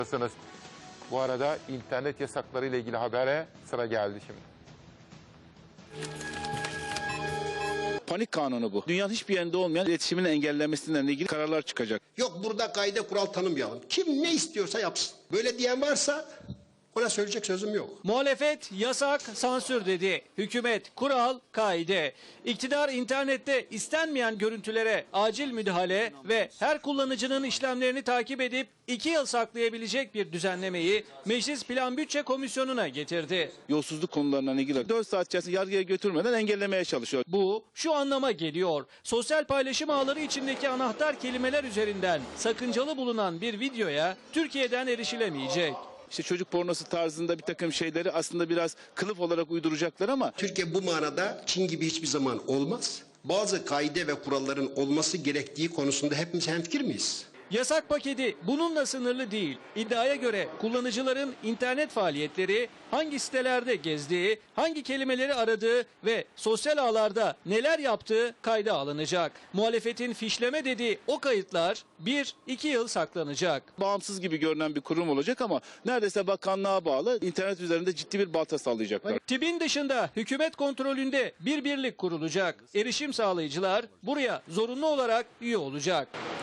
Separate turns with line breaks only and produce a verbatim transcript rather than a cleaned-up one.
Bu arada internet yasakları ile ilgili habere sıra geldi şimdi.
Panik kanunu bu. Dünyanın hiçbir yerinde olmayan iletişimin engellenmesinden ilgili kararlar çıkacak.
Yok burada kaide kural tanımayalım. Kim ne istiyorsa yapsın. Böyle diyen varsa ona söyleyecek sözüm yok.
Muhalefet yasak, sansür dedi. Hükümet kural, kaide. İktidar internette istenmeyen görüntülere acil müdahale ve her kullanıcının işlemlerini takip edip iki yıl saklayabilecek bir düzenlemeyi Meclis Plan Bütçe Komisyonu'na getirdi.
Yolsuzluk konularından ilgili dört saat içerisinde yargıya götürmeden engellemeye çalışıyor.
Bu şu anlama geliyor. Sosyal paylaşım ağları içindeki anahtar kelimeler üzerinden sakıncalı bulunan bir videoya Türkiye'den erişilemeyecek.
İşte çocuk pornosu tarzında bir takım şeyleri aslında biraz kılıf olarak uyduracaklar ama
Türkiye bu manada Çin gibi hiçbir zaman olmaz. Bazı kaide ve kuralların olması gerektiği konusunda hepimiz hemfikir miyiz?
Yasak paketi bununla sınırlı değil. İddiaya göre kullanıcıların internet faaliyetleri, hangi sitelerde gezdiği, hangi kelimeleri aradığı ve sosyal ağlarda neler yaptığı kayda alınacak. Muhalefetin fişleme dediği o kayıtlar bir iki yıl saklanacak.
bağımsız gibi görünen bir kurum olacak ama neredeyse bakanlığa bağlı, internet üzerinde ciddi bir balta sallayacaklar.
TİB'in dışında hükümet kontrolünde bir birlik kurulacak. Erişim sağlayıcılar buraya zorunlu olarak üye olacak.